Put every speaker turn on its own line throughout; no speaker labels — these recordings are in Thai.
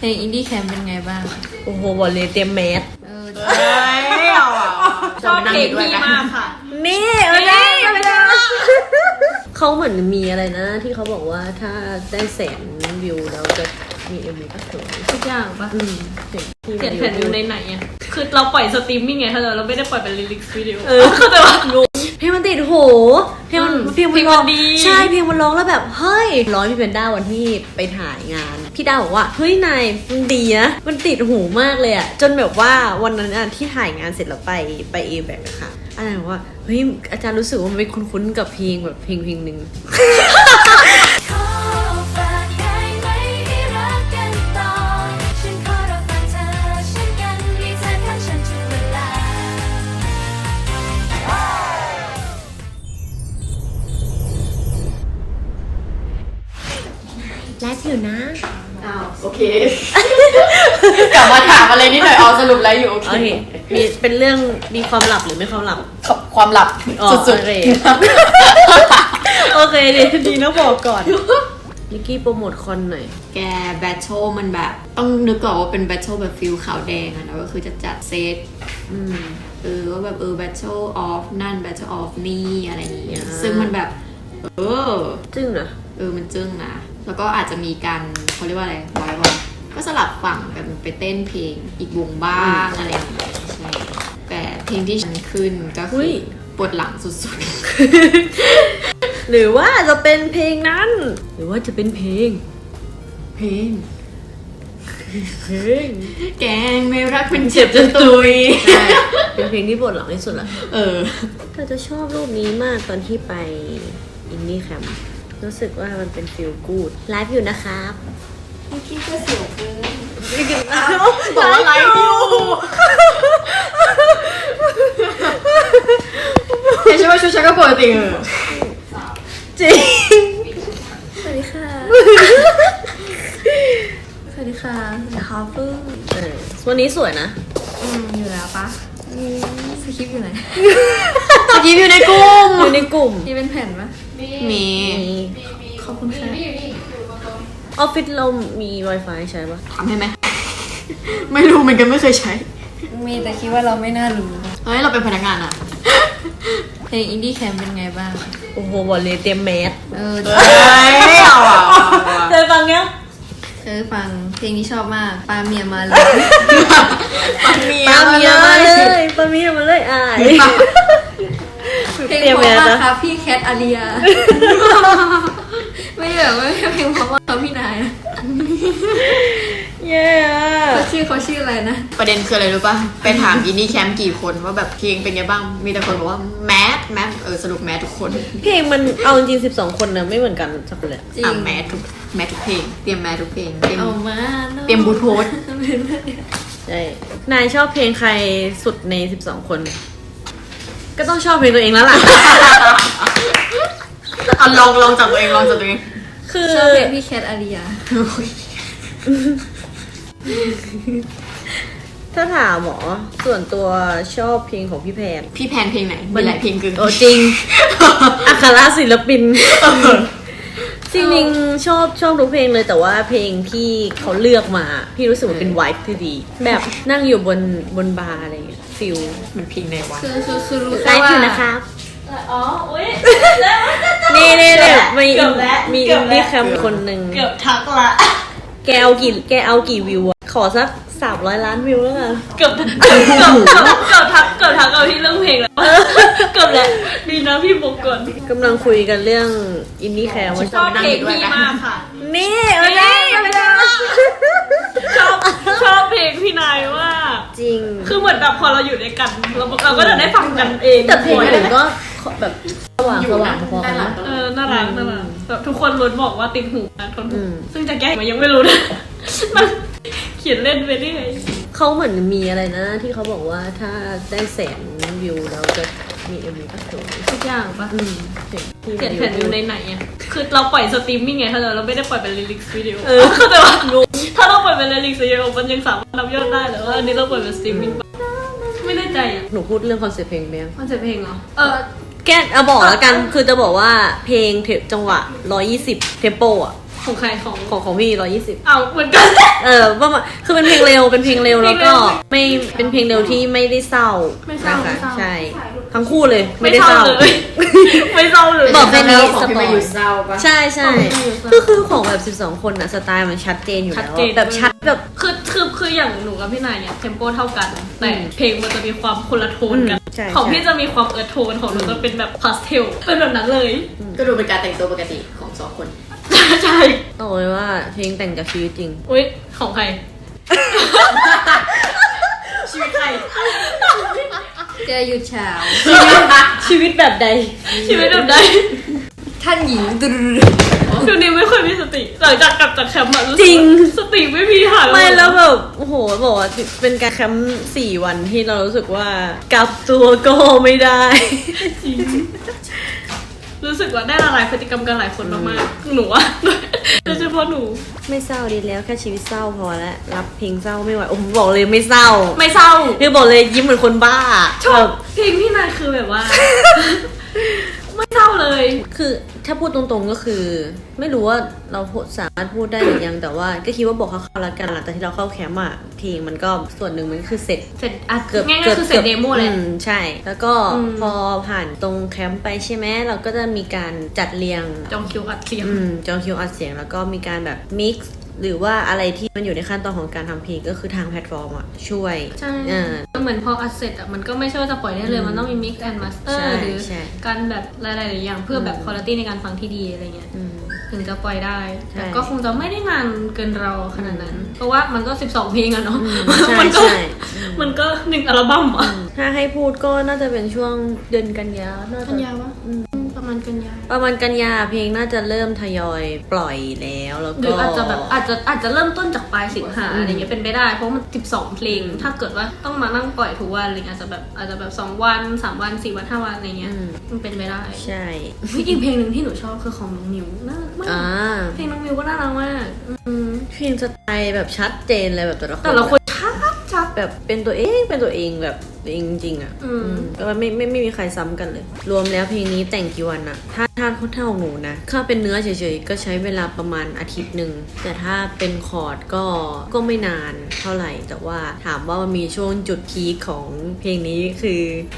เพลงอินดี้แคมเป็นไงบ้าง
โอ้โหบอกเลยเตรียมแมส
ชอบเพลงพี่มากค่ะ
นี่เขาเหมือนมีอะไรนะที่เขาบอกว่าถ้าได้100,000 วิวเราจะมีMVก็สวย
ทุกอย่างปะ
เขียน
แผ่นวิวในไหนอ่ะคือเราปล่อยสตรีมมิ่งไงถ้าเราไม่ได้ปล่อยเป็นลิลิกวิดีโอเข้าใจปะ
เพลงมันติดโหเพลงมัน
ดี
ใช่เพลงมันร้องแล้วแบบเฮ้ยร้องพี่เพนด้าวันที่ไปถ่ายงานพี่ด้าบอกว่าเฮ้ยนายมันดีนะมันติดหูมากเลยอะจนแบบว่าวันนั้นที่ถ่ายงานเสร็จแล้วไปเอแบกอะค่ะอาจารย์บอกว่าเฮ้ยอาจารย์รู้สึกว่ามันเป็นคุ้นๆกับเพลงแบบเพลงหนึ่งไลฟ์อยู่นะ
โอเค กลับมาถามอะไรนิดหน่อยสรุปไลฟ์อยู่โอเค
มีเป็นเรื่องมีความลับหรือไม่ความลับ
ความลับสุด
ๆเลยโอเคดีนะบอกก่อนนิกกี้โปรโมทคอนหน่อย
แกแบทเทิลมันแบบต้องนึกก่อนว่าเป็นแบทเทิลแบบฟิลขาวแดงอะนะก็คือจะจัดเซตว่าแบบแบทเทิลออฟนั่นแบทเทิลออฟนี่อะไรอย่างเงี้ยซึ่งมันแบบ
จึ้งนะ
มันจึ้งนะแล้วก็อาจจะมีการเขาเรียกว่าอะไรไว้ว่าก็สลับฝั่งกันไปเต้นเพลงอีกวงบ้างอะไรอย่างเงี้ยใช่แต่เพลงที่ฉันขึ้นก็คือปวดหลังสุด
ๆหรือว่าจะเป็นเพลงนั้นหรือว่าจะเป็นเพลง
แกงไม่รักเป็นเจ็บจนตุย
เป็นเพลงที่ปวดหลังที่สุดละ
เธอ
จะชอบรูปนี้มากตอนที่ไปอินดี้แคมป์รู้สึกว่ามันเป็นฟีลกู๊ดไลฟ์อยู่นะครับ
พี่กี้ก็เสียวเกิน
บอกว่าไลฟ์อยู่
เห็นใช่ไหมชุดฉันก็ปกติ
จริง
สวัสดีค่ะสวัสดีค่ะฮาร์พึ่ง
วันนี้สวยนะ
อยู่แล้วปะสคริปต์อยู่ไหน
สคริปต์อยู่ในกลุ่ม
นี่เป็นแผ่นปะ
มี
ขอบคุณค่ะ
ออฟฟิศเรามี Wi-Fi ใช่ปะ
ทำให้ไหมไม่รู้เหมือนกันไม่เคยใช้
มีแต่คิดว่าเราไม่น่ารู้
เฮ้ยเราเป็นพนักงานอะ
เพลงอินดี้แคมเป็นไงบ้าง
โอ้โหบอกเลยเตรียมแมส
เคยฟังยังเคยฟังเพลงนี้ชอบมากปาเมียมาเลย
ปาเมียมาเลย
เพลงเพราะมากครับพี่แคทอาริยาไม่เพลงเพราะมากครับพี่นายเขาชื่ออะไรนะ
ประเด็นคืออะไรรู้ป่ะไปถามอินดี้แคมป์กี่คนว่าแบบเพลงเป็นไงบ้างมีแต่คนบอกว่าแมสสรุปแมสทุกคน
เพลงมันเอาจริง12 คนนะไม่เหมือนกันสักคนเลย
แมสทุกเพลงเตรียมแมสทุกเพลงเตรียมบูทโพส
ใช่นายชอบเพลงใครสุดใน12 คนก็ต้องชอบเพลงตัวเองแล้วล่ะ
ลองจากตัวเอง
คือชอบเพลงพี่แคทอาริยา
ถ้าถามหมอส่วนตัวชอบเพลงของพี่แพน
เพลงไหนมีหลายเพลงคือ
จริงอัครศิลปินจริงๆชอบทุกเพลงเลยแต่ว่าเพลงที่เขาเลือกมาพี่รู้สึกว่าเป็นไวท์ที่ดีแบบนั่งอยู่บนบาร์อะไรอย่างเงี้ยฟิล
มันเพลงในวัด
คือรู้
ไลฟ์อยู่นะครับ
อุ้ย
นี่มีอินดี้แคมป์คนหนึ่ง
เกือบทักละ
แกเอากี่วิวอะขอสัก300 ล้านวิวแล้วกัน
เกือบทักเอาที่เรื่องเพลงแล้วเกือบแล้วดีนะพี่บอกก่อน
กำลังคุยกันเรื่องอินดี้แคมป์
ชอบเพลงพี่มากค่ะ
นี่
ชอบเพลงพี่นายว่า
จริง
คือเหมือนแบบพอเราอยู่ด้วยกันเราก็จะได้ฟังกันเอง
แต่เพลงอื่นก็แบบสว่างพอกันนะ
น่ารักแบบทุกคนล้วนบอกว่าติดหูนะทนหูซึ่งจะแก้มันยังไม่รู้นะมันเขียนเล่นไปเรื่อย
เขาเหมือนมีอะไรนะที่เขาบอกว่าถ้าได้100,000 วิวเราจะมีMVก็สวย
ทุกอย่างปะเขียนแผ่นวิวในไหนอ่ะคือเราปล่อยสตรีมมิ่งไงถ้าเราไม่ได้ปล่อยเป็นลิลิกวิดีโอเข้าใจว่าถ้าเราปล่อยเป็นลิลิกวิดีโอมันยังสามารถนับยอดได้แต่ว่าอันนี้เราปล่อยเป็นสตรีมมิ่งไม่แน่ใจอ่ะ
หนูพูดเรื่องคอนเซ็ปต์เพลงไหม
คอนเซ็ปต์เพลงเหรอ
แกบอกแล้วกันคือจะบอกว่าเพลงจังหวะ120เทมโปอ่ะ
ของใคร
ของพี่120
เอาเหมือนกัน
ประมาณคือเป็นเพลงเร็วแล้วก็ไม่เป็นเพลงเร็วที่ไม่ได้เศร้า
ไม่เศร้า
นะคะใช่ทั้งคู่เลยไม่ได้เศร้า
เลยไม่เศร้าเลย
บอกแค่นี้
ของพี่มาอยู่เศร้าปะ
ใช่คือของแบบ12คนอะสไตล์มันชัดเจนอยู่แล้วแบบชัดแบบ
คืออย่างหนูกับพี่นายเนี่ยเทมโปเท่ากันแต่เพลงมันจะมีความคนละโทนกัน
ใช่
ของพี่จะมีความโทนของหนูจะเป็นแบบพาสเทลเป็นแบบนั้นเลย
ก็ดูเป็นการแต่งตัวปกติของสองคน
ใช่
ต้องบอกเลยว่าเพลงแต่งจากชีวิตจริง
อุ้ยของใคร
ชีวิตใครเจออยู่เช้า
ชีวิตแบบใด
ชีวิตแบบใด
ท่านหญิงด
เดี๋ยวนี้ไม่ค่อยมีสติหลังจากกลับจากแคมป์อะ
จริง
สติไม่มีหาย
ไม่แล้วแบบโอ้โหบอกว่าเป็นการแคมป์4 วันที่เรารู้สึกว่ากลับตัวก็ไม่ได้
จริงรู้สึกว่าได้ละลายพฤติกรรมกันหลายคนมากๆหนูอะโดยเฉพาะหนู
ไม่เศร้าดีแล้วแค่ชีวิตเศร้าพอแล้วรับเพลงเศร้าไม่ไหวโอ้โหบอกเลยไม่เศร้า
ไม่เศร้า
คือบอกเลยยิ้มเหมือนคนบ้า
ชอบเพลงพี่นายคือแบบว่า ไม่เศร้าเลย
คือถ้าพูดตรงๆก็คือ ไม่รู้ว่าเราสามารถพูดได้หรือยังแต่ว่าก็คิดว่าบอกเขาละกันหลังจากที่เราเข้าแคมป์อะเพลงมันก็ส่วนหนึ่งมันคือเสร็จ
เสร็จอ่ะง่ายๆคือเสร็จเดโมเลย
ใช่ แล้วก็พอผ่านตรงแคมป์ไปใช่ไหมเราก็จะมีการจัดเรียง
จองคิวอัดเสียง
จองคิวอัดเสียงแล้วก็มีการแบบมิกซ์หรือว่าอะไรที่มันอยู่ในขั้นตอนของการทำเพลงก็คือทางแพลตฟอร์มอ่ะช่วย
ใช่เหมือนพออัดเสร็จอ่ะมันก็ไม่ใช่ว่าจะปล่อยได้เลยมันต้องมี mix and master หรือการแบบหลายๆอย่างเพื่อแบบคุณภาพในการฟังที่ดีอะไรเงี้ยถึงจะปล่อยได้แต่ก็คงจะไม่ได้นานเกินรอขนาดนั้น เพราะว่ามันก็12เพลงอะเนาะมันก็1อัลบั้มอ่ะ
ถ้าให้พูดก็น่าจะเป็นช่วงเดือนกันยา
กันยาวะประมาณกันยา
เพลงน่าจะเริ่มทยอยปล่อยแล้วก็
หรืออาจจะแบบอาจจะเริ่มต้นจากปลายสิงหาอะไรเงี้ยเป็นไปได้เพราะมัน12เพลงถ้าเกิดว่าต้องมานั่งปล่อยทุกวันอะไรเงี้ยอาจจะแบบ2วัน3วัน4วัน5วันอะไรเงี้ยมันเป็นไปได้
ใช่
อีกเพลงหนึ่งที่หนูชอบคือของน้องมิวน่ารักมากเพลงน้องมิวก็น่ารักมาก
เพลงสไตล์แบบชัดเจนเลยแบบแต่ละคน
ชัด
แบบเป็นตัวเองแบบตัวเองจริงๆอ่ะก็ไม่มีใครซ้ำกันเลยรวมแล้วเพลงนี้แต่งกี่วันอะถ้าเท่าหนูนะถ้าเป็นเนื้อเฉยๆก็ใช้เวลาประมาณอาทิตย์หนึ่งแต่ถ้าเป็นคอร์ดก็ไม่นานเท่าไหร่แต่ว่าถามว่ามันมีช่วงจุดพีคของเพลงนี้คือ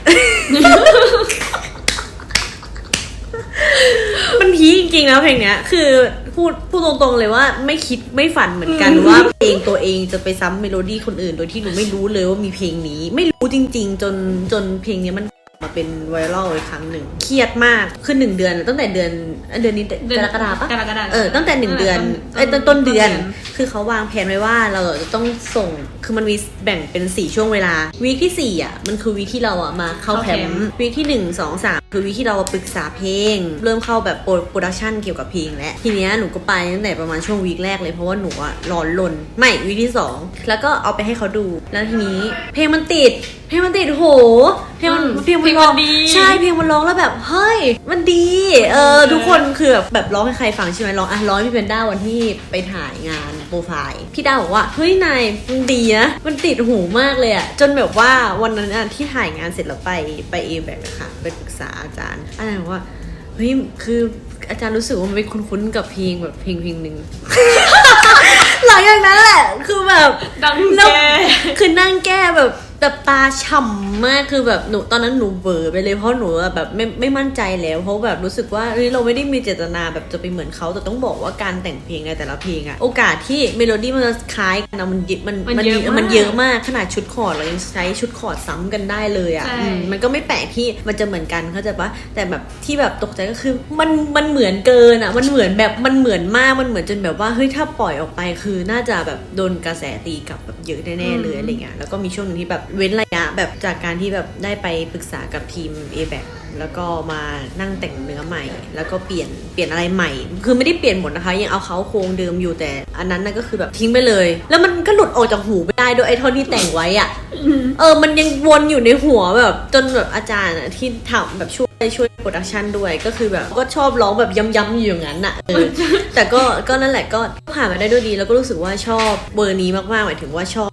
มันพีคจริงๆแล้วเพลงเนี้ยคือพูดตรงๆเลยว่าไม่คิดไม่ฝันเหมือนกันว่าเพลงตัวเองจะไปซ้ำเมโลดี้คนอื่นโดยที่หนูไม่รู้เลยว่ามีเพลงนี้ไม่รู้จริงๆจนเพลงนี้มันมาเป็นไวรัลอีกครั้งหนึ่งเครียดมากคือ1 เดือนตั้งแต่เดือนนี้กรกฎาคมปะตั้งแต่1 เดือนต้นเดือนคือเขาวางแผนไว้ว่าเราจะต้องส่งคือมันมีแบ่งเป็น4ช่วงเวลาวีคที่4อ่ะมันคือวีคที่เราอ่ะมาเข้าแคมป์วีคที่1 2 3คือวีคที่เราปรึกษาเพลงเริ่มเข้าแบบโปรดักชันเกี่ยวกับเพลงแล้วทีเนี้ยหนูก็ไปตั้งแต่ประมาณช่วงวีคแรกเลยเพราะว่าหนูอ่ะร้อนรนไม่วีคที่2แล้วก็เอาไปให้เขาดูแล้วทีนี้เพลงมันติดโหเพลงมันร้องดีใช่เพลงมันร้องแล้วแบบเฮ้ยมันดีทุกคนคือแบบร้องให้ใครฟังใช่ไหมร้องให้พี่เพนด้าวันที่ไปถ่ายงานโปรไฟล์พี่ด้าบอกว่าเฮ้ยนายมันดีนะมันติดหูมากเลยอะจนแบบว่าวันนั้นที่ถ่ายงานเสร็จแล้วไปเอแบกอะค่ะไปปรึกษาอาจารย์บอกว่าเฮ้ยคืออาจารย์รู้สึกว่ามันเป็นคุ้นๆกับเพลงแบบเพลงหนึ่ง หลังจากนั้นแหละคือแบบ
ดังแก้
คือนั่งแก้แบบตาฉ่ำมากคือแบบหนูตอนนั้นหนูเบอร์ไปเลยเพราะหนูแบบไม่มั่นใจแล้วเพราะแบบรู้สึกว่าเราไม่ได้มีเจตนาแบบจะไปเหมือนเขาแต่ต้องบอกว่าการแต่งเพลงในแต่ละเพลงอะโอกาสที่เมโลดี้มันจะคล้ายกันมันเยอะมากขนาดชุดคอร์ดเรายังใช้ชุดคอร์ดซ้ำกันได้เลยอะมันก็ไม่แปลกที่มันจะเหมือนกันเข้าใจปะแต่แบบที่แบบตกใจก็คือมันเหมือนเกินอะมันเหมือนแบบมันเหมือนมากมันเหมือนจนแบบว่าเฮ้ยถ้าปล่อยออกไปคือน่าจะแบบโดนกระแสตีกลับแบบเยอะแน่ๆเลยอะไรเงี้ยแล้วก็มีช่วงนึงที่แบบเว้นระยะแบบจากการที่แบบได้ไปปรึกษากับทีม A-Back แล้วก็มานั่งแต่งเนื้อใหม่แล้วก็เปลี่ยนอะไรใหม่คือไม่ได้เปลี่ยนหมดนะคะยังเอาเขาโครงเดิมอยู่แต่อันนั้นน่ะก็คือแบบทิ้งไปเลยแล้วมันก็หลุดออกจากหูไม่ได้ด้วยไอ้ท่อนที่แต่งไว้อ่ะมันยังวนอยู่ในหัวแบบจนแบบอาจารย์ที่ทำแบบช่วยโปรดักชันด้วยก็คือแบบก็ชอบร้องแบบย้ำๆอยู่อย่างนั้นอ่ะแต่ก็นั่นแหละก็ผ่านมาได้ด้วยดีแล้วก็รู้สึกว่าชอบเบอร์นี้มากๆหมายถึงว่าชอบ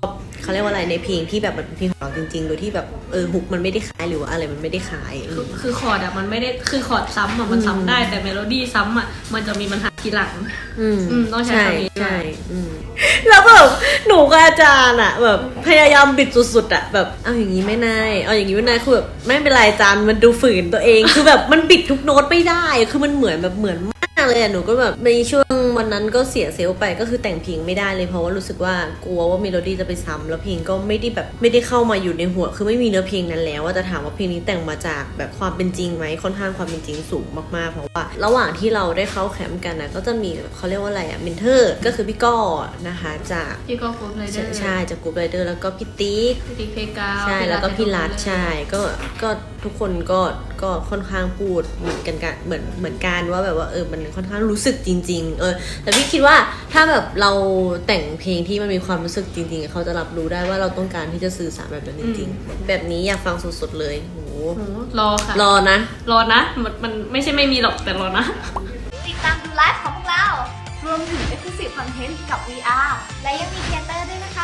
เขาเรียกว่าอะไรในเพลงที่แบบมันเป็นเพลงของเราจริงๆโดยที่แบบฮุกมันไม่ได้คล้ายหรือว่าอะไรมันไม่ได้คล้าย
คือคอร์ดอะมันไม่ได้คือคอร์ดซ้ำอะมันซ้ำได้แต่เมโลดี้ซ้ำอะมันจะมีปัญหาทีหลังต้องใช้คำนี้
ใช่แล้วแบบหนูกับอาจารย์อะแบบพยายามบิดสุดๆอะแบบเอาอย่างนี้ไม่นายเอาอย่างนี้ไม่นายคือแบบไม่เป็นไรอาจารย์มันดูฝืนตัวเอง คือแบบมันบิดทุกโน้ตไม่ได้คือมันเหมือนมากเลยอะหนูก็แบบในช่วงวันนั้นก็เสียเซลล์ไปก็คือแต่งเพลงไม่ได้เลยเพราะว่ารู้สึกว่ากลัวว่าเมโลดี้จะไปซ้ำแล้วเพลงก็ไม่ได้เข้ามาอยู่ในหัวคือไม่มีเนื้อเพลงนั้นแล้วว่าจะถามว่าเพลงนี้แต่งมาจากแบบความเป็นจริงไหมค่อนข้างความเป็นจริงสูงมากๆเพราะว่าระหว่างที่เราได้เข้าแคมป์กันนะก็จะมีเขาเรียกว่าอะไรอะเมนเทอร์ก็คือพี่ก้อนะคะจาก
พี่ก็ฟูดไรเดอร์
ใช่จากกรุ๊ปไรเดอร์แล้วก็พี่ติ๊ก
พี่ติ๊กเพกาว
ใช่แล้วก็พี่รัฐใช่ก็ทุกคนก็ค่อนข้างพูดเหมือนกันว่าแบบว่ามันค่อนข้างรู้สึกจริงๆแต่พี่คิดว่าถ้าแบบเราแต่งเพลงที่มันมีความรู้สึกจริงๆเขาจะรับรู้ได้ว่าเราต้องการที่จะสื่อสารแบบนั้นจริงๆแบบนี้อยากฟังสดๆเลยโห
รอค่ะ
รอนะ
มันไม่ใช่ไม่มีหรอกแต่รอนะ
ติดตามดูไลฟ์ของพวกเรา รวมถึง Exclusive Content กับ VR และยังมีเทเตอร์ด้วยนะคะ